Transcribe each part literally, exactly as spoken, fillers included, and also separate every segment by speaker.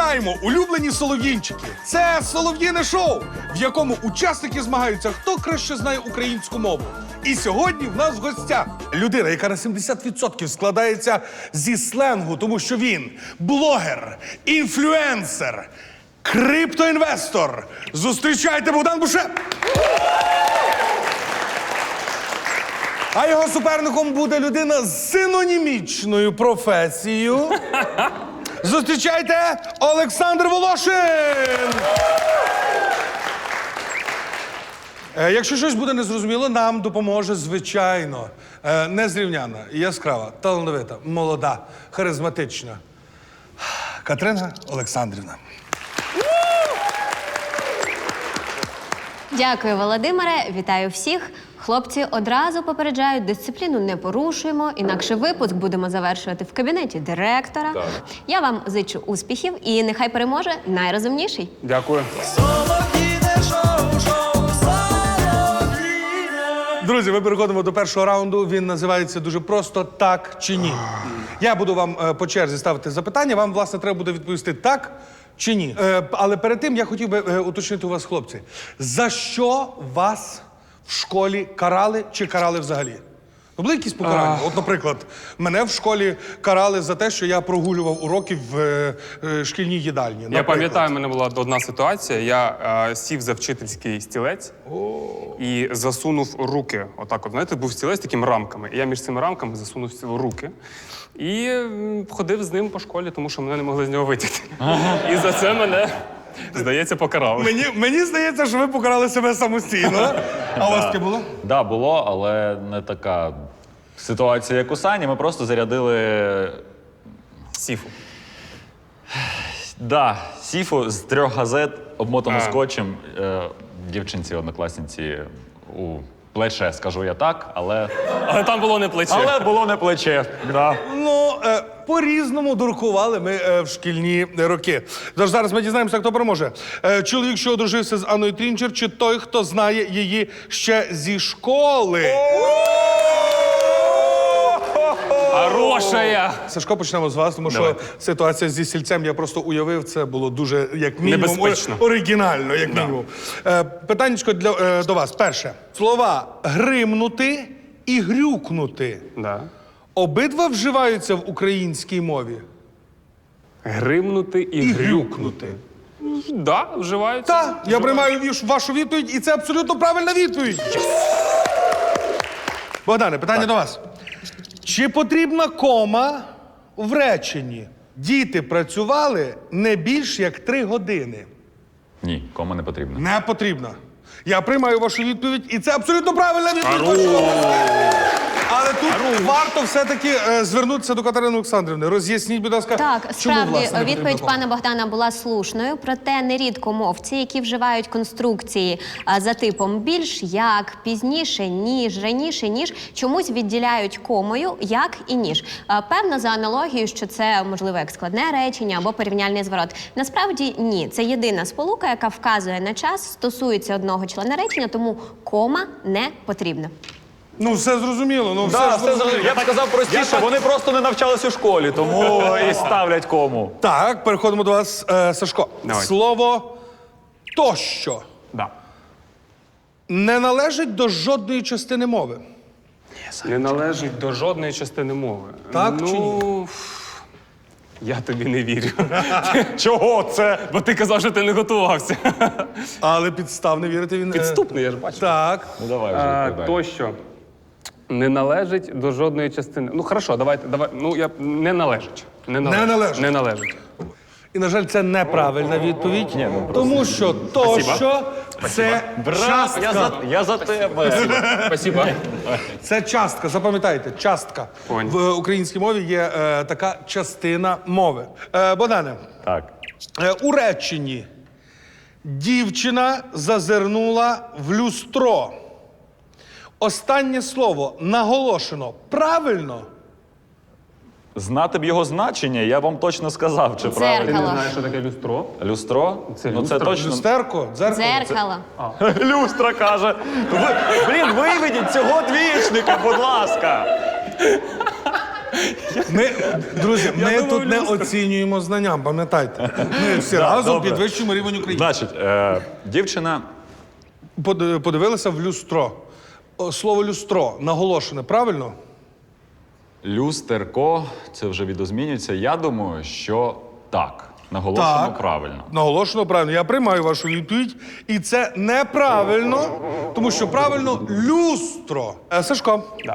Speaker 1: Вітаємо, улюблені солов'їнчики! Це солов'їне шоу, в якому учасники змагаються, хто краще знає українську мову. І сьогодні в нас в гостях людина, яка на сімдесят відсотків складається зі сленгу, тому що він блогер, інфлюенсер, криптоінвестор. Зустрічайте, Богдан Бушеп! А його суперником буде людина з синонімічною професією. Зустрічайте, Олександр Волошин! Е, якщо щось буде незрозуміло, нам допоможе, звичайно, е, незрівняна, яскрава, талановита, молода, харизматична Катерина Олександрівна.
Speaker 2: Дякую, Володимире. Вітаю всіх. Хлопці, одразу попереджають, дисципліну не порушуємо, інакше випуск будемо завершувати в кабінеті директора. Так. Я вам зичу успіхів і нехай переможе найрозумніший.
Speaker 3: Дякую.
Speaker 1: Друзі, ми переходимо до першого раунду. Він називається дуже просто «Так чи ні?». Я буду вам е, по черзі ставити запитання, вам, власне, треба буде відповісти «так» чи «ні». Е, але перед тим я хотів би е, уточнити у вас, хлопці, за що вас в школі карали чи карали взагалі? Ну, були якісь покарання? От, наприклад, мене в школі карали за те, що я прогулював уроки в е, е, шкільній їдальні.
Speaker 3: Я
Speaker 1: наприклад.
Speaker 3: пам'ятаю, в мене була одна ситуація. Я е, сів за вчительський стілець і засунув руки. Отак от, знаєте, був стілець з такими рамками. І я між цими рамками засунув руки. І м, ходив з ним по школі, тому що мене не могли з нього витягти. І за це мене, здається, покарали.
Speaker 1: Мені, мені здається, що ви покарали себе самостійно. А у вас таке було?
Speaker 4: Так, да, було, але не така ситуація, як у Сані. Ми просто зарядили
Speaker 3: Сіфу.
Speaker 4: да, сіфу з трьох газет, обмотану
Speaker 3: А.
Speaker 4: скотчем, е, дівчинці, однокласниці у плече, скажу я так, але...
Speaker 3: Але там було не плече.
Speaker 4: Але було не плече, да.
Speaker 1: Ну, е, по-різному дуркували ми е, в шкільні роки. Тож зараз ми дізнаємося, хто переможе. Е, чоловік, що одружився з Анною Трінчер, чи той, хто знає її ще зі школи?
Speaker 3: Хорошая!
Speaker 1: Сашко, почнемо з вас, тому що ситуація зі сільцем я просто уявив, це було дуже, як мінімум,
Speaker 3: Небезпечно.
Speaker 1: о- оригінально, як мінімум. Е, питаннячко для, е, до вас. Перше. Слова «гримнути» і «грюкнути»
Speaker 3: Да.
Speaker 1: обидва вживаються в українській мові?
Speaker 3: Гримнути і,
Speaker 1: І
Speaker 3: грюкнути.
Speaker 1: грюкнути.
Speaker 3: Да, вживаються.
Speaker 1: Так, я приймаю віш- вашу відповідь, і це абсолютно правильна відповідь. Богдане, питання до вас. Чи потрібна кома в реченні? Діти працювали не більш як три години.
Speaker 4: Ні, кому не потрібно.
Speaker 1: Не потрібна. Я приймаю вашу відповідь, і це абсолютно правильна відповідь. Але тут варто все-таки е, звернутися до Катерини Олександрівни. Роз'ясніть, будь ласка,
Speaker 2: Так,
Speaker 1: чому,
Speaker 2: справді,
Speaker 1: власне, не потрібна
Speaker 2: відповідь
Speaker 1: кома?
Speaker 2: пана Богдана була слушною, проте нерідко мовці, які вживають конструкції а, за типом більш, як, пізніше, ніж, раніше, ніж, чомусь відділяють комою як і ніж. А, певно, за аналогією, що це, можливо, як складне речення або порівняльний зворот. Насправді, ні. Це єдина сполука, яка вказує на час, стосується одного члена речення, тому кома не потрібна.
Speaker 1: Ну, все зрозуміло. Ну, все
Speaker 4: Да,
Speaker 1: ж
Speaker 4: все зрозуміло. Я так казав простіше, вони просто не навчались у школі, тому і ставлять кому.
Speaker 1: Так, переходимо до вас, е, Сашко.
Speaker 3: Давай.
Speaker 1: Слово «тощо»
Speaker 3: Да.
Speaker 1: не належить до жодної частини мови.
Speaker 3: Не належить до жодної частини мови.
Speaker 1: Так
Speaker 3: ну,
Speaker 1: чи ні?
Speaker 3: Я тобі не вірю.
Speaker 4: Чого це?
Speaker 3: Бо ти казав, що ти не готувався.
Speaker 1: Але підстав не вірити він... е,
Speaker 3: Підступний, я ж бачу.
Speaker 1: Так.
Speaker 4: Ну давай вже
Speaker 3: А,
Speaker 4: відповідай.
Speaker 3: тощо не належить до жодної частини. Ну, хорошо, давайте, давай. Ну, я не належить. Не належить.
Speaker 1: Не належить.
Speaker 3: Не належить.
Speaker 1: І, на жаль, це неправильна відповідь, тому що «тощо» – це
Speaker 4: Я
Speaker 1: частка.
Speaker 4: за, я за тебе.
Speaker 3: Спасибо.
Speaker 1: Це частка, запам'ятайте, частка.
Speaker 3: Понял.
Speaker 1: В українській мові є е, така частина мови. Е, Богдане,
Speaker 4: Так.
Speaker 1: е, у реченні «дівчина зазирнула в люстро». Останнє слово наголошено правильно?
Speaker 4: Знати б його значення, я вам точно сказав, чи правильно.
Speaker 3: Ти не
Speaker 2: Дзеркало.
Speaker 3: знаєш, що таке люстро?
Speaker 4: Люстро?
Speaker 3: Це
Speaker 4: ну, це
Speaker 3: люстра?
Speaker 4: точно.
Speaker 1: Люстерко? Дзеркало?
Speaker 2: Дзеркало.
Speaker 4: Люстра каже. Ви, блін, виведіть цього двічника, будь ласка.
Speaker 1: Ми, друзі, ми
Speaker 3: думав,
Speaker 1: тут не
Speaker 3: люстра.
Speaker 1: оцінюємо знанням, пам'ятайте. Ми всі разом
Speaker 4: добре.
Speaker 1: підвищуємо рівень України.
Speaker 4: Значить, е, дівчина
Speaker 1: Под- Подивилися в люстро. О, Слово люстро наголошене, правильно?
Speaker 4: люстерко, це вже відозмінюється. Я думаю, що так. Наголошено правильно.
Speaker 1: Наголошено правильно. Я приймаю вашу відповідь. І це неправильно, тому що правильно люстро. Е, Сашко.
Speaker 3: Да.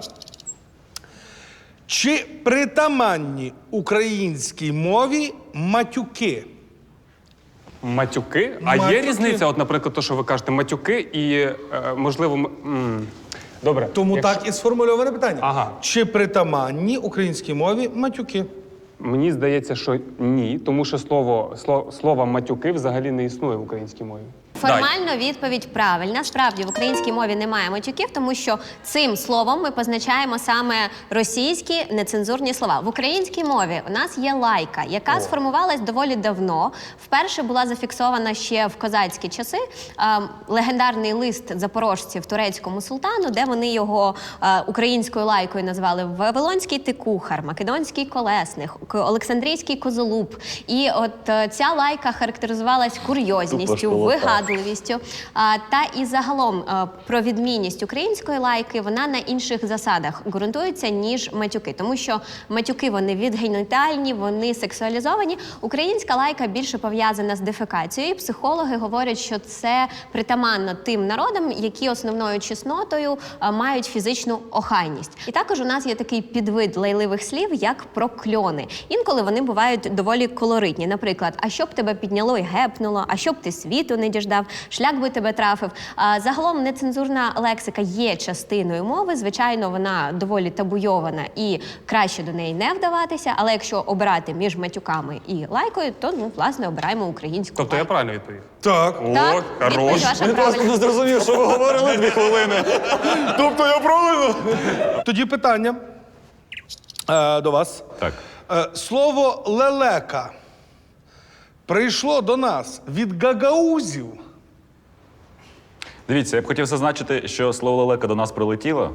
Speaker 1: Чи притаманні українській мові матюки?
Speaker 3: Матюки? А
Speaker 1: Матюки.
Speaker 3: є різниця, от, наприклад, то, що ви кажете, матюки і, е, можливо, м- м. добре.
Speaker 1: Тому
Speaker 3: якщо-
Speaker 1: так і сформульоване питання.
Speaker 3: Ага.
Speaker 1: Чи притаманні українській мові матюки?
Speaker 3: Мені здається, що ні, тому що слово, слово, слово матюки взагалі не існує в українській мові.
Speaker 2: Формально відповідь правильна. Справді в українській мові немає матюків, тому що цим словом ми позначаємо саме російські нецензурні слова. В українській мові у нас є лайка, яка сформувалась доволі давно. Вперше була зафіксована ще в козацькі часи. Е, легендарний лист запорожців турецькому султану, де вони його е, українською лайкою назвали Вавилонський тикухар, Македонський колесник, К- Олександрійський козолуб. І от е, ця лайка характеризувалась курйозністю,
Speaker 4: школота.
Speaker 2: вигадуванням, А, та і загалом а, про відмінність української лайки вона на інших засадах ґрунтується, ніж матюки. Тому що матюки вони відгенітальні, вони сексуалізовані. Українська лайка більше пов'язана з дефекацією. І психологи говорять, що це притаманно тим народам, які основною чеснотою а, мають фізичну охайність. І також у нас є такий підвид лайливих слів, як прокльони. Інколи вони бувають доволі колоритні. Наприклад, а щоб тебе підняло і гепнуло, а щоб ти світу не діждав, шлях би тебе трафив. А, загалом нецензурна лексика є частиною мови. Звичайно, вона доволі табуйована і краще до неї не вдаватися. Але якщо обирати між матюками і лайкою, то ну власне обираємо українську.
Speaker 3: Тобто я
Speaker 2: лайку.
Speaker 3: правильно відповів?
Speaker 1: Так.
Speaker 2: Так,
Speaker 3: О,
Speaker 2: відповідь
Speaker 3: хорош.
Speaker 2: ваша правильна.
Speaker 4: не зрозумів, що ви говорили дві хвилини.
Speaker 1: Тобто я правильно? Тоді питання е, до вас.
Speaker 4: Так.
Speaker 1: Е, слово лелека прийшло до нас від гагаузів.
Speaker 4: Дивіться, я б хотів зазначити, що слово лелека до нас прилетіло.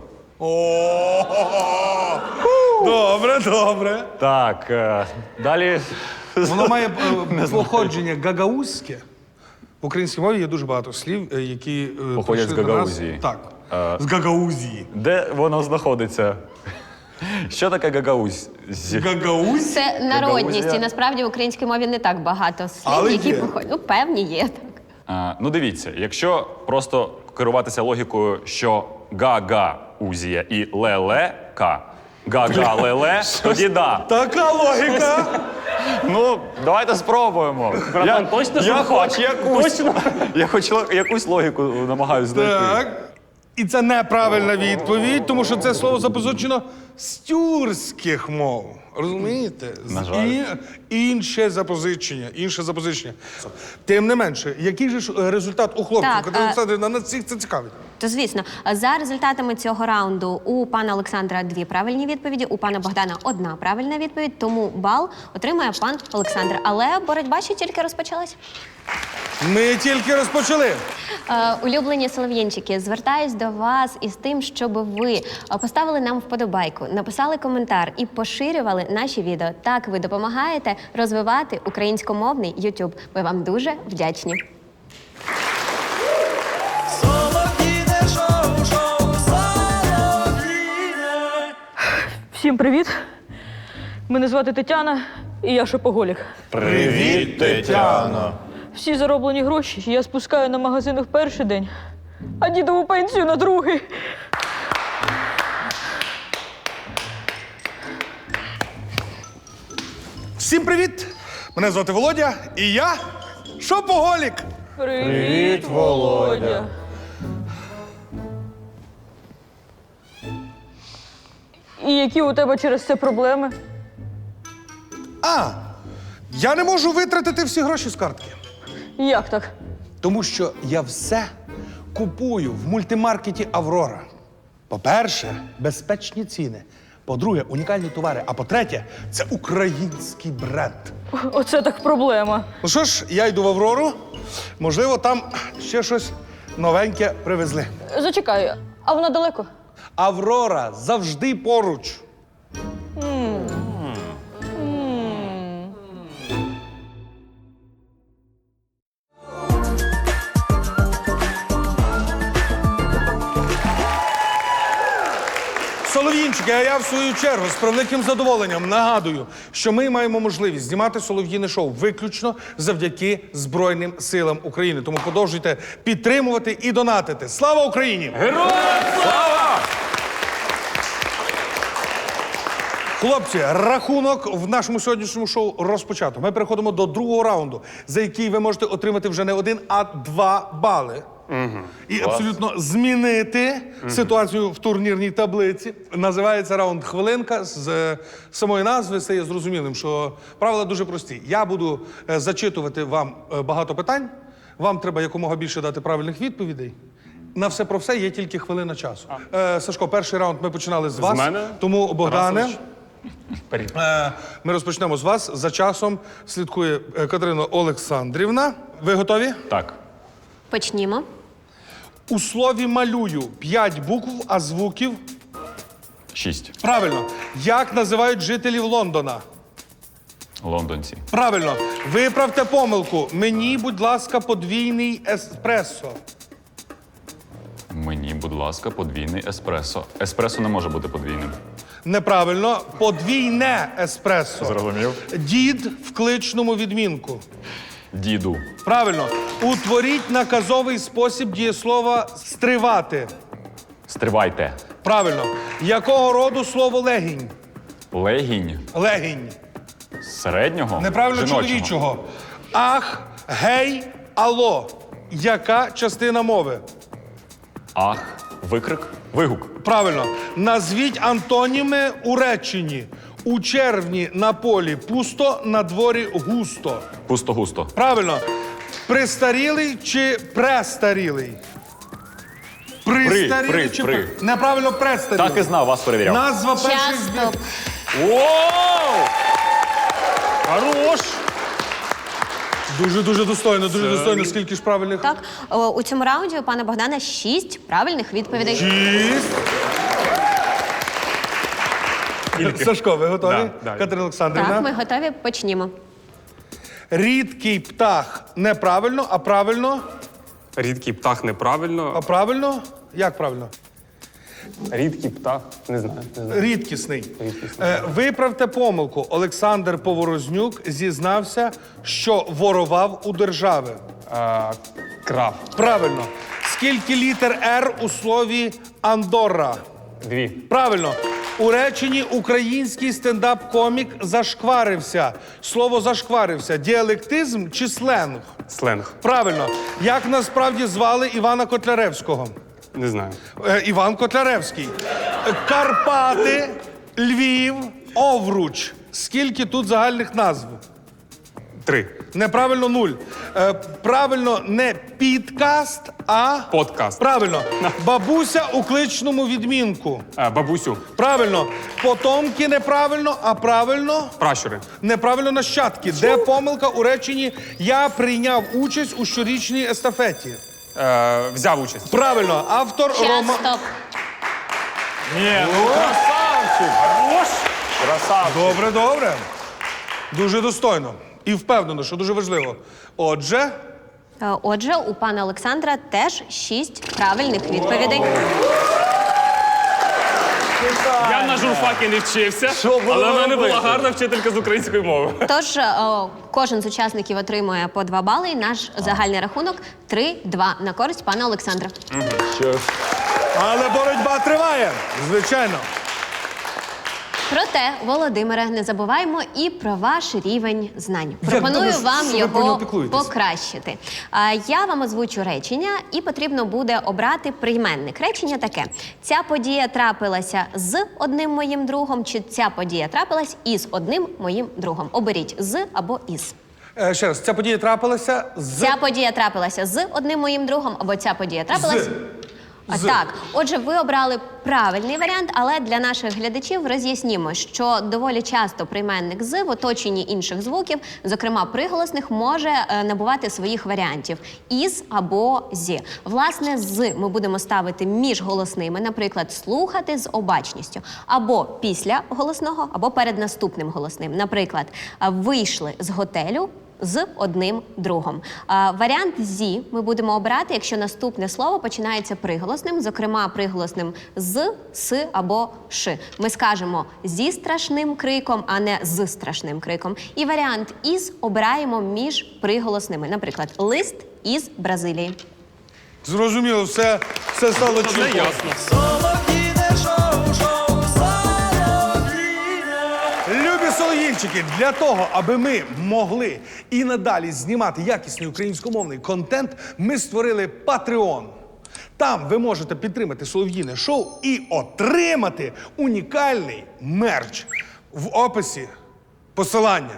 Speaker 1: Добре, добре.
Speaker 4: Так, е, далі.
Speaker 1: Воно має е, походження гагаузьке. В українській мові є дуже багато слів, е, які е,
Speaker 4: Походять
Speaker 1: прийшли
Speaker 4: з
Speaker 1: до нас.
Speaker 4: Гагаузії.
Speaker 1: Так.
Speaker 4: Е,
Speaker 1: З Гагаузії.
Speaker 4: Де воно знаходиться? Що таке гагаузь?
Speaker 1: Гагаузь?
Speaker 2: Це народність,
Speaker 4: Гагаузія.
Speaker 2: і насправді в українській мові не так багато слів,
Speaker 1: Але
Speaker 2: які
Speaker 1: є.
Speaker 2: походять. Ну, певні є так.
Speaker 4: А, ну дивіться, якщо просто керуватися логікою, що га-га-узія і ле-ле-ка, га-га-ле-ле, тоді да.
Speaker 1: Така логіка.
Speaker 4: Ну, давайте спробуємо.
Speaker 3: Братан, точно, що
Speaker 4: я
Speaker 3: ви
Speaker 4: хоч
Speaker 3: хочете?
Speaker 4: якусь, я хоч ло- якусь логіку намагаюся знайти.
Speaker 1: Так. І це неправильна відповідь, тому що це слово запозичено з тюркських мов. Розумієте? З
Speaker 4: На жаль.
Speaker 1: І, інше запозичення, інше запозичення. Тим не менше, який же ж е, результат у хлопців?
Speaker 2: Так,
Speaker 1: Катерина
Speaker 2: е,
Speaker 1: Олександрівна, нас всіх це цікавить.
Speaker 2: То звісно, за результатами цього раунду у пана Олександра дві правильні відповіді, у пана Богдана одна правильна відповідь, тому бал отримує пан Олександр. Але боротьба ще тільки розпочалась.
Speaker 1: Ми тільки розпочали.
Speaker 2: Е, улюблені солов'їнчики, звертаюсь до вас із тим, щоб ви е, поставили нам вподобайку, написали коментар і поширювали наші відео. Так ви допомагаєте розвивати українськомовний YouTube. Ми вам дуже вдячні.
Speaker 5: Всім привіт! Мене звати Тетяна, і я шопоголік.
Speaker 1: Привіт, Тетяно.
Speaker 5: Всі зароблені гроші я спускаю на магазини в перший день, а дідову пенсію на другий.
Speaker 1: Всім привіт! Мене звати Володя, і я шопоголік.
Speaker 5: Привіт, Володя. І які у тебе через це проблеми?
Speaker 1: А, я не можу витратити всі гроші з картки.
Speaker 5: Як так?
Speaker 1: Тому що я все купую в мультимаркеті Аврора. По-перше, безпечні ціни. По-друге, унікальні товари. А по-третє, це український бренд.
Speaker 5: Оце так проблема.
Speaker 1: Ну що ж, я йду в Аврору. Можливо, там ще щось новеньке привезли.
Speaker 5: Зачекай, а вона далеко?
Speaker 1: Аврора завжди поруч. Українчики, а я в свою чергу з превеликим задоволенням нагадую, що ми маємо можливість знімати солов'їне шоу виключно завдяки Збройним силам України. Тому продовжуйте підтримувати і донатити. Слава Україні!
Speaker 3: Героям слава!
Speaker 1: Хлопці, рахунок в нашому сьогоднішньому шоу розпочато. Ми переходимо до другого раунду, за який ви можете отримати вже не один, а два бали. Угу. І абсолютно змінити угу. ситуацію в турнірній таблиці. Називається раунд «Хвилинка». З е, самої назви стає зрозумілим, що правила дуже прості. Я буду е, зачитувати вам е, багато питань. Вам треба якомога більше дати правильних відповідей. На все про все є тільки хвилина часу. Е, Сашко, перший раунд ми починали з вас.
Speaker 3: З мене?
Speaker 1: Тому, Богдане,
Speaker 3: Тарасович.
Speaker 1: е, ми розпочнемо з вас. За часом слідкує е, Катерина Олександрівна. Ви готові?
Speaker 4: Так.
Speaker 2: Почнімо.
Speaker 1: У слові «малюю» п'ять букв, а звуків?
Speaker 4: Шість.
Speaker 1: Правильно. Як називають жителів Лондона?
Speaker 4: Лондонці.
Speaker 1: Правильно. Виправте помилку. Мені, будь ласка, подвійний еспресо.
Speaker 4: Мені, будь ласка, подвійний еспресо. Еспресо не може бути подвійним.
Speaker 1: Неправильно. Подвійне еспресо.
Speaker 4: Зрозумів.
Speaker 1: Дід в кличному відмінку.
Speaker 4: Діду.
Speaker 1: Правильно. Утворіть наказовий спосіб дієслова «стривати».
Speaker 4: Стривайте.
Speaker 1: Правильно. Якого роду слово «легінь»?
Speaker 4: Легінь.
Speaker 1: Легінь.
Speaker 4: Середнього?
Speaker 1: Неправильно,
Speaker 4: Жіночого.
Speaker 1: чоловічого. Ах, гей, алло. Яка частина мови?
Speaker 4: Ах. Викрик. Вигук.
Speaker 1: Правильно. Назвіть антоніми у реченні. У червні на полі пусто, на дворі густо.
Speaker 4: Пусто-густо.
Speaker 1: Правильно. Пристарілий чи престарілий? Пристарілий
Speaker 4: при,
Speaker 1: чи
Speaker 4: при.
Speaker 1: пре- Неправильно, престарілий.
Speaker 4: Так і знав, вас перевіряв.
Speaker 1: Назва перших
Speaker 2: Час,
Speaker 1: збір.
Speaker 2: стоп.
Speaker 3: Воу! Хорош!
Speaker 1: Дуже-дуже достойно, дуже достойно. Скільки ж правильних?
Speaker 2: Так, о, у цьому раунді у пана Богдана шість правильних відповідей.
Speaker 1: Шість. Сашко, ви готові?
Speaker 3: Да, да.
Speaker 1: Катерина Олександрівна.
Speaker 2: Так, ми готові. Почнімо.
Speaker 1: Рідкий птах неправильно, а правильно?
Speaker 3: Рідкий птах неправильно.
Speaker 1: А правильно? Як правильно?
Speaker 3: Рідкий птах. Не знаю. Не знаю.
Speaker 1: Рідкісний.
Speaker 3: Рідкісний.
Speaker 1: Е, виправте помилку. Олександр Поворознюк зізнався, що ворував у держави.
Speaker 3: А, крав.
Speaker 1: Правильно. Скільки літер «Р» у слові «Андорра»?
Speaker 3: Дві.
Speaker 1: Правильно. У реченні український стендап-комік зашкварився. Слово «зашкварився» – діалектизм чи сленг?
Speaker 3: Сленг.
Speaker 1: Правильно. Як насправді звали Івана Котляревського?
Speaker 3: Не знаю.
Speaker 1: Е, Іван Котляревський. Е, Карпати, Львів, Овруч. Скільки тут загальних назв?
Speaker 3: Три.
Speaker 1: Неправильно нуль. Е, правильно не підкаст, а
Speaker 3: Подкаст.
Speaker 1: правильно. Бабуся у кличному відмінку.
Speaker 3: А, бабусю.
Speaker 1: Правильно. Потомки неправильно, а правильно
Speaker 3: Пращури.
Speaker 1: неправильно нащадки. Де помилка у реченні «Я прийняв участь у щорічній естафеті»?
Speaker 3: Е, взяв участь.
Speaker 1: Правильно. Автор
Speaker 2: Час,
Speaker 1: Рома.
Speaker 2: стоп.
Speaker 4: Ні, ну красавчик! Хорош! Красавчик!
Speaker 1: Добре, добре. Дуже достойно. І впевнено, що дуже важливо. Отже,
Speaker 2: Е, Отже, у пана Олександра теж шість правильних відповідей.
Speaker 3: Я на журфакі не вчився,
Speaker 4: було
Speaker 3: але в мене
Speaker 4: робити?
Speaker 3: була гарна вчителька з української мови.
Speaker 2: Тож е, кожен з учасників отримує по два бали. І наш загальний рахунок три-два на користь пана Олександра.
Speaker 1: але боротьба триває. Звичайно.
Speaker 2: Проте, Володимире, не забуваємо і про ваш рівень знань. Пропоную
Speaker 1: добре, що
Speaker 2: вам
Speaker 1: ви про нього
Speaker 2: його
Speaker 1: піклуєтесь.
Speaker 2: покращити. А, я вам озвучу речення, і потрібно буде обрати прийменник. Речення таке: ця подія трапилася з одним моїм другом, чи ця подія трапилась із одним моїм другом. Оберіть з або із.
Speaker 1: Е, ще раз, ця подія трапилася з...
Speaker 2: Ця подія трапилася з одним моїм другом, або ця подія трапилась.
Speaker 1: З.
Speaker 2: А,
Speaker 1: З.
Speaker 2: Так, отже, ви обрали правильний варіант, але для наших глядачів роз'яснімо, що доволі часто прийменник з в оточенні інших звуків, зокрема приголосних, може е, набувати своїх варіантів із або зі. Власне, з ми будемо ставити між голосними, наприклад, слухати з обачністю, або після голосного, або перед наступним голосним. Наприклад, е, вийшли з готелю з одним другом. А, варіант «зі» ми будемо обирати, якщо наступне слово починається приголосним, зокрема приголосним «з», «с» або «ш». Ми скажемо «зі страшним криком», а не «з страшним криком». І варіант «із» обираємо між приголосними. Наприклад, лист із Бразилії.
Speaker 1: Зрозуміло, все, все стало
Speaker 3: Це
Speaker 1: чітко.
Speaker 3: ясно.
Speaker 1: Любі солов'їнчики, для того, аби ми могли і надалі знімати якісний українськомовний контент, ми створили Patreon. Там ви можете підтримати солов'їне шоу і отримати унікальний мерч. В описі посилання.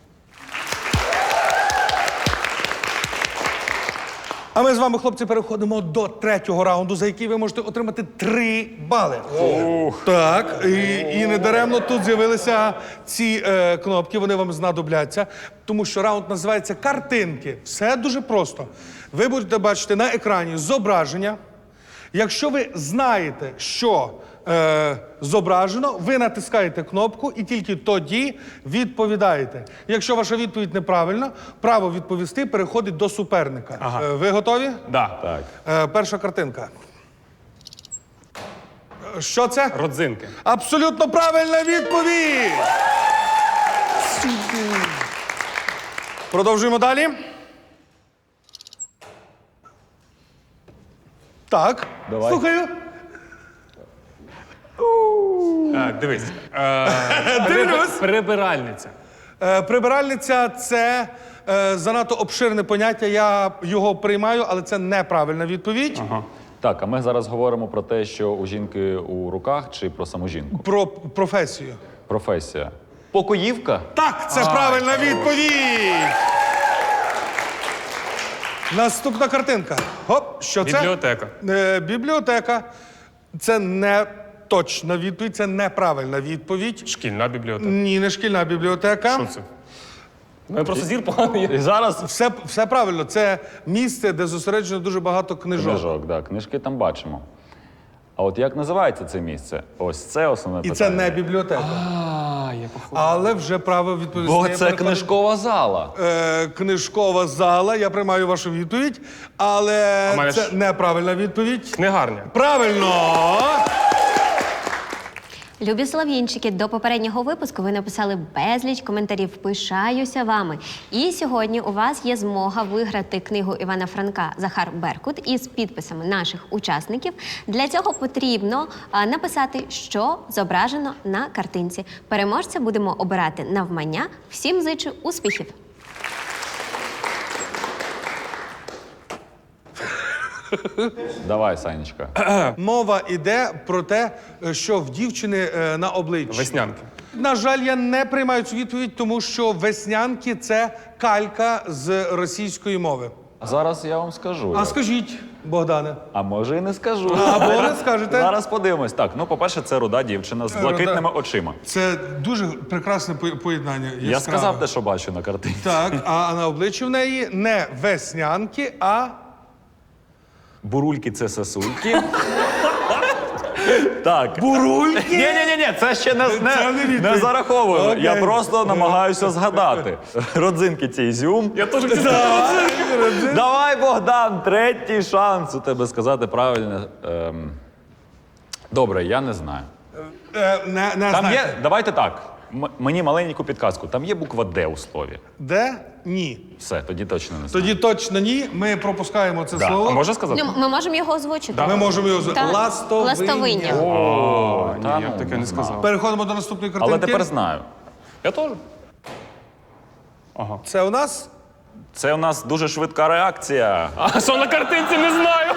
Speaker 1: А ми з вами, хлопці, переходимо до третього раунду, за який ви можете отримати три бали. Так, і, і недаремно тут з'явилися ці е, кнопки, вони вам знадобляться, тому що раунд називається «Картинки». Все дуже просто. Ви будете бачити на екрані зображення. Якщо ви знаєте, що е, зображено, ви натискаєте кнопку і тільки тоді відповідаєте. Якщо ваша відповідь неправильна, право відповісти переходить до суперника.
Speaker 3: Ага.
Speaker 1: Е, ви готові?
Speaker 3: Да.
Speaker 4: Так.
Speaker 1: Е, перша картинка. Е, Що це?
Speaker 3: Родзинки.
Speaker 1: Абсолютно правильна відповідь! Продовжуємо далі. Так,
Speaker 4: Давай.
Speaker 1: слухаю.
Speaker 3: А, дивись. Е,
Speaker 1: Дивлюсь.
Speaker 3: Прибиральниця.
Speaker 1: Е, прибиральниця – це е, занадто обширне поняття, я його приймаю, але це неправильна відповідь.
Speaker 3: Ага.
Speaker 4: Так, а ми зараз говоримо про те, що у жінки у руках чи про саму жінку?
Speaker 1: Про професію.
Speaker 4: Професія. Покоївка?
Speaker 1: Так, це правильна відповідь! Наступна картинка. Гоп, що це?
Speaker 3: Бібліотека.
Speaker 1: Е, бібліотека. Це не точна відповідь, це неправильна відповідь.
Speaker 3: Шкільна бібліотека.
Speaker 1: Ні, не шкільна бібліотека.
Speaker 3: Що це? Ну, я просто зір поганий.
Speaker 4: І зараз
Speaker 1: Все, все правильно. Це місце, де зосереджено дуже багато книжок.
Speaker 4: книжок, да, книжки там бачимо. А от як називається це місце? Ось це основне
Speaker 1: І
Speaker 4: питання.
Speaker 1: це не бібліотека.
Speaker 3: А, я походу.
Speaker 1: Але вже право відповісти.
Speaker 4: Бо
Speaker 1: я
Speaker 4: це
Speaker 1: переходжу.
Speaker 4: книжкова зала.
Speaker 1: Е, книжкова зала. Я приймаю вашу відповідь, але
Speaker 3: А в мене
Speaker 1: це
Speaker 3: ж-
Speaker 1: неправильна відповідь.
Speaker 3: Книгарня.
Speaker 1: Правильно!
Speaker 2: Любі солов'їнчики, до попереднього випуску ви написали безліч коментарів. Пишаюся вами. І сьогодні у вас є змога виграти книгу Івана Франка «Захар Беркут» із підписами наших учасників. Для цього потрібно а, написати, що зображено на картинці. Переможця будемо обирати навмання. Всім зичу успіхів!
Speaker 4: Давай, Санечка.
Speaker 1: Мова йде про те, що в дівчини е, на обличчі.
Speaker 3: Веснянки.
Speaker 1: На жаль, я не приймаю цю відповідь, тому що веснянки – це калька з російської мови.
Speaker 4: Зараз я вам скажу.
Speaker 1: А
Speaker 4: як.
Speaker 1: скажіть, Богдане.
Speaker 4: А може і не скажу.
Speaker 1: Або не скажете.
Speaker 4: Зараз подивимось. Так, ну, по-перше, це руда дівчина з
Speaker 1: Руда.
Speaker 4: блакитними очима.
Speaker 1: Це дуже прекрасне по- поєднання.
Speaker 4: Я
Speaker 1: яскраве.
Speaker 4: сказав те, що бачу на картинці.
Speaker 1: Так, а на обличчі в неї не веснянки, а
Speaker 4: Бурульки це сосульки. Так.
Speaker 1: бурульки.
Speaker 4: Ні, ні, ні, ні, це ще не,
Speaker 1: Це
Speaker 4: не,
Speaker 1: не відповідь.
Speaker 4: не зараховуємо.
Speaker 1: Окей.
Speaker 4: Я просто намагаюся згадати. Родзинки цей зюм.
Speaker 3: Я теж хотів
Speaker 4: Давай, Богдан, третій шанс у тебе сказати правильно. Ем... Добре, я не знаю.
Speaker 1: Е, не, не
Speaker 4: Там
Speaker 1: знаєте.
Speaker 4: є, давайте так. м- мені маленьку підказку. Там є буква Д у слові.
Speaker 1: Де? Ні.
Speaker 4: Все, тоді точно не знаю.
Speaker 1: Тоді точно ні. Ми пропускаємо це
Speaker 4: Да.
Speaker 1: слово.
Speaker 3: А можна сказати?
Speaker 2: Ну, ми можемо його озвучити.
Speaker 1: Ми можемо його з
Speaker 2: Так.
Speaker 1: ластовиння.
Speaker 2: Ластовиння.
Speaker 3: О, ні,
Speaker 4: та
Speaker 3: я
Speaker 4: ну,
Speaker 3: таке
Speaker 4: не
Speaker 3: не
Speaker 4: знаю.
Speaker 3: сказав.
Speaker 1: Переходимо до наступної картинки.
Speaker 4: Але тепер знаю.
Speaker 3: Я теж.
Speaker 1: Це у нас
Speaker 4: Це у нас дуже швидка реакція.
Speaker 3: А що на картинці, не знаю.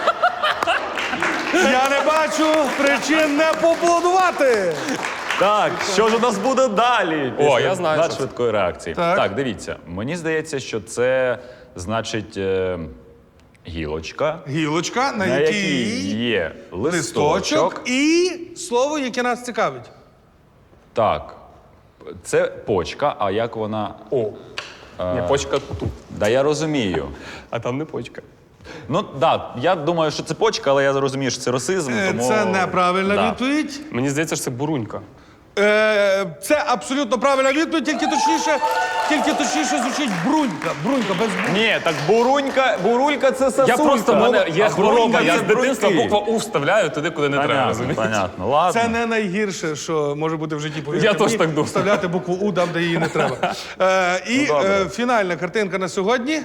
Speaker 1: я не бачу причин не поаплодувати.
Speaker 4: Так, що ж у нас буде далі?
Speaker 3: О,
Speaker 4: після
Speaker 3: я знаю, що це.
Speaker 4: надшвидкої реакції.
Speaker 1: Так.
Speaker 4: Так. дивіться. Мені здається, що це значить е, гілочка,
Speaker 1: Гілочка, на,
Speaker 4: на
Speaker 1: якій
Speaker 4: якій є
Speaker 1: листочок
Speaker 4: листочок.
Speaker 1: і слово, яке нас цікавить.
Speaker 4: Так. Це почка, а як вона.
Speaker 3: О, ні, почка тут.
Speaker 4: Да я розумію.
Speaker 3: А там не почка.
Speaker 4: Ну так, да, я думаю, що це почка, але я розумію, що це расизм.
Speaker 1: Е,
Speaker 4: Тому...
Speaker 1: Це неправильна
Speaker 4: Да.
Speaker 1: відповідь.
Speaker 3: Мені здається, що це бурунька.
Speaker 1: Е, це абсолютно правильна відповідь, тільки точніше, тільки точніше звучить брунька. Брунька без бу.
Speaker 6: Ні, так бурунька, бурулька це сосулька.
Speaker 3: Я просто, в мене є
Speaker 6: А
Speaker 3: хвороба,
Speaker 6: брунька
Speaker 3: я
Speaker 6: це
Speaker 3: з дитинства
Speaker 6: бруньки.
Speaker 3: букву У вставляю туди, куди не треба,
Speaker 4: Понятно,
Speaker 3: розумієте?
Speaker 4: понятно. Ладно.
Speaker 1: Це не найгірше, що може бути в житті. повірте
Speaker 3: Я теж
Speaker 1: мені,
Speaker 3: так думаю.
Speaker 1: Вставляти букву У там, де її не треба. Е, і
Speaker 6: Ну, добре.
Speaker 1: е, фінальна картинка на сьогодні.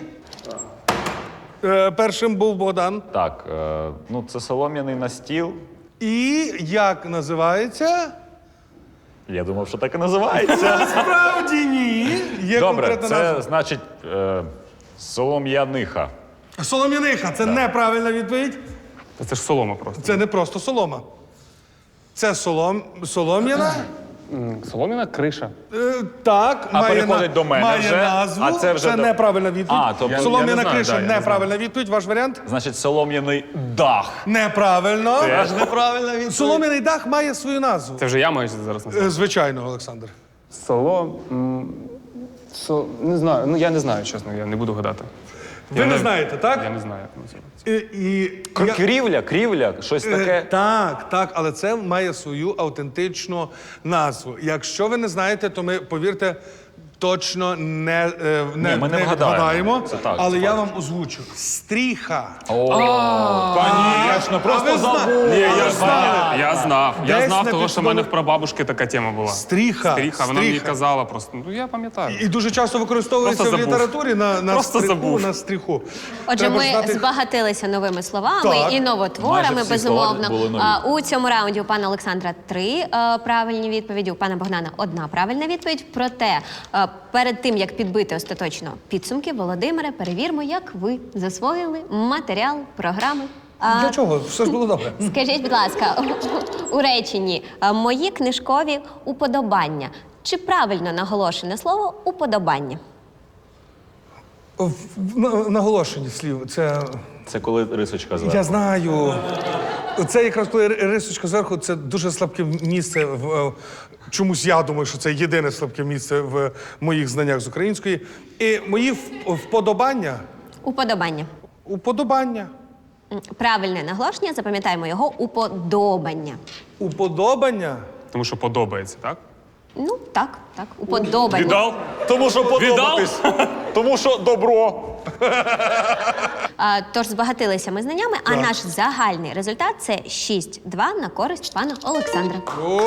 Speaker 1: Е, першим був Богдан.
Speaker 4: Так, е, ну це солом'яний настіл.
Speaker 1: І як називається?
Speaker 4: Я думав, що так і називається.
Speaker 1: Справді ні. Є
Speaker 4: Добре,
Speaker 1: конкретна
Speaker 4: це
Speaker 1: назва.
Speaker 4: значить е, солом'яниха.
Speaker 1: Солом'яниха. Це неправильна відповідь.
Speaker 3: Та це ж солома просто.
Speaker 1: Це не просто солома. Це солом... солом'яна.
Speaker 3: М, Солом'яна криша.
Speaker 1: Е, так,
Speaker 4: А
Speaker 1: має,
Speaker 4: переходить до мене
Speaker 1: має
Speaker 4: вже,
Speaker 1: назву.
Speaker 4: а це вже до-
Speaker 1: неправильна відповідь.
Speaker 4: А, тобто- Я-
Speaker 1: Солом'яна
Speaker 3: я не знаю,
Speaker 1: криша
Speaker 3: да, я не
Speaker 1: неправильна відповідь. Ваш варіант?
Speaker 4: Значить, солом'яний дах.
Speaker 1: Неправильно.
Speaker 6: Теж неправильна відповідь.
Speaker 1: Солом'яний дах має свою назву.
Speaker 3: Це вже я маю зараз назвати.
Speaker 1: Е, Звичайно, Олександр.
Speaker 3: Соло... м, со... Не знаю, ну я не знаю, чесно, я не буду гадати.
Speaker 1: Ви
Speaker 3: Я
Speaker 1: не знаєте, так?
Speaker 3: Я не знаю, як називається.
Speaker 1: І, і
Speaker 6: Кр-
Speaker 1: я-
Speaker 6: Крівля, крівля, щось
Speaker 1: Е,
Speaker 6: таке.
Speaker 1: Так, так, але це має свою автентичну назву. Якщо ви не знаєте, то ми, повірте, точно не, е, не,
Speaker 4: Ні, ми не вгадаємо.
Speaker 1: вгадаємо.
Speaker 4: Це так,
Speaker 1: але
Speaker 4: це
Speaker 1: я
Speaker 4: факт.
Speaker 1: вам озвучу. Стріха.
Speaker 4: Конечно,
Speaker 1: А ви зна-
Speaker 3: Ні, я знав, я знав. Я
Speaker 1: Десь
Speaker 3: знав
Speaker 1: на
Speaker 3: того, що в мене
Speaker 1: підсвідомі-
Speaker 3: в прабабушки така тема була.
Speaker 1: Стріха.
Speaker 3: Стріха, вона мені
Speaker 1: Стріха.
Speaker 3: казала просто. Ну я пам'ятаю.
Speaker 1: І дуже часто використовується
Speaker 3: Просто
Speaker 1: в
Speaker 3: забув.
Speaker 1: літературі на, на
Speaker 3: Просто
Speaker 1: стріху,
Speaker 3: забув.
Speaker 1: на стріху.
Speaker 2: Отже,
Speaker 1: Треба
Speaker 2: ми
Speaker 1: знати-
Speaker 2: збагатилися новими словами
Speaker 1: Так.
Speaker 2: і новотворами,
Speaker 4: Майже всі
Speaker 2: безумовно.
Speaker 4: слова були нові.
Speaker 2: А, у цьому раунді у пана Олександра три е, правильні відповіді, у пана Богдана одна правильна відповідь. Проте е, перед тим, як підбити остаточно підсумки, Володимире, перевірмо, як ви засвоїли матеріал програми. А,
Speaker 1: Для чого? Все ж було добре.
Speaker 2: Скажіть, будь ласка, у реченні е, мої книжкові уподобання. Чи правильно наголошене слово уподобання?
Speaker 1: В- в- на- Наголошені слів. Це.
Speaker 4: Це коли рисочка зверху.
Speaker 1: Я знаю. Це якраз коли ри- рисочка зверху, це дуже слабке місце в. е, Чомусь я думаю, що це єдине слабке місце в моїх знаннях з української. І мої в- вподобання.
Speaker 2: Уподобання.
Speaker 1: Уподобання.
Speaker 2: М, Правильне наголошення, запам'ятаємо його уподобання.
Speaker 1: Уподобання.
Speaker 3: Тому що подобається, так?
Speaker 2: Ну, так, так, уподобання.
Speaker 3: Віддав?
Speaker 6: Тому що подобатись. Тому що добро.
Speaker 2: А, тож збагатилися ми знаннями, а наш загальний результат це шість-два на користь пана Олександра.
Speaker 1: О!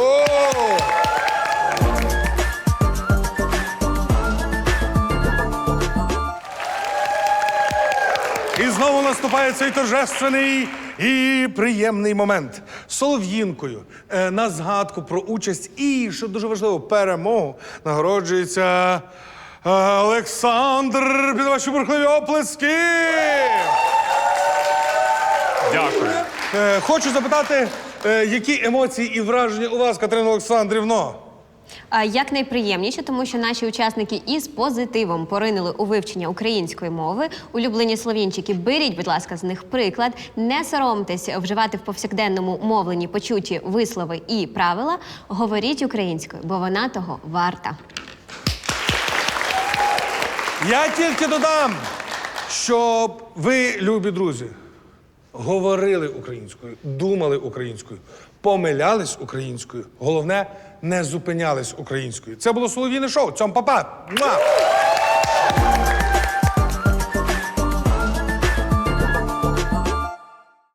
Speaker 1: І знову наступає цей торжественний і приємний момент. Солов'їнкою е, на згадку про участь і, що дуже важливо, перемогу нагороджується е, Олександр. Під ваші бурхливі оплески!
Speaker 3: Дякую.
Speaker 1: Е, Хочу запитати, е, які емоції і враження у вас, Катерина Олександрівно?
Speaker 2: А, Як найприємніше, тому що наші учасники із позитивом поринули у вивчення української мови. Улюблені словінчики, беріть, будь ласка, з них приклад. Не соромтесь вживати в повсякденному мовленні почуті вислови і правила. Говоріть українською, бо вона того варта.
Speaker 1: Я тільки додам, щоб ви, любі друзі, говорили українською, думали українською, помилялись українською. Головне, не зупинялись українською. Це було Солов'їне шоу. Цьом, па-па! Муа!